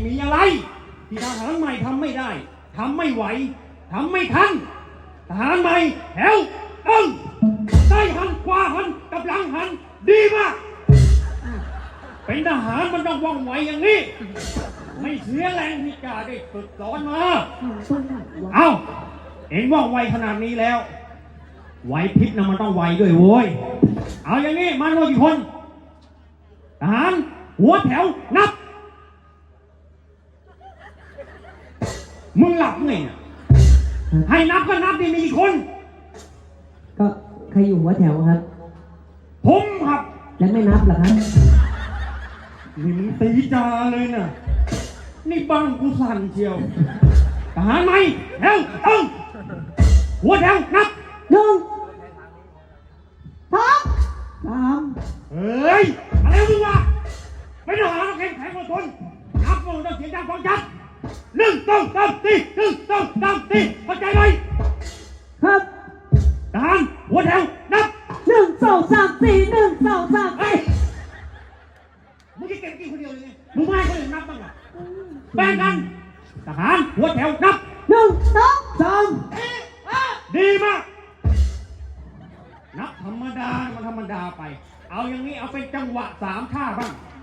มีอะไรที่ทหารใหม่ทำไม่ได้ทำไม่ไหวทำไม่ทันทหารใหม่แถวได้หันขวาหันกับหลังหันดีมากเป็นทหารมันต้องว่องไวอย่างนี้ไม่เสียแรงที่กาได้ฝึกสอนมาเอาเอ็งว่องไวขนาดนี้แล้วไหวพริบนะมันต้องไวด้วยโว้ยเอาอย่างนี้มากี่คนทหารหัวแถวนับมึงหลับไงเนี่ยให้นับก็นับดิมีกี่คนก็ใครอยู่หัวแถวครับผมครับแล้วไม่นับเหรอครับนี่มึงตีจาเลยนะนี่บ้านกูสั่นเชียวทหารไหมแถวหัวแถวนับ 1 2 3 เฮ้ยอะไรมึงวะไม่ทหารเราแข็งแข็งกว่าคนนับมึงต้องเสียงดังฟังชัด1 2 3 4 1 2 3 4เข้าใจไหมครับทหารหัวแถวนับ 1 2 3 4 1 2 3 เฮ้ยมึงจะเก่งกี่คนเดียวเลยไงมึงไม่ให้คนอื่นนับบ้างเหรอแบ่งกันทหารหัวแถวนับ 1 2 3 ดีมากนับธรรมดามันธรรมดาไปเอาอย่างนี้เอาเป็นจังหวะ3 ท่าบ้าง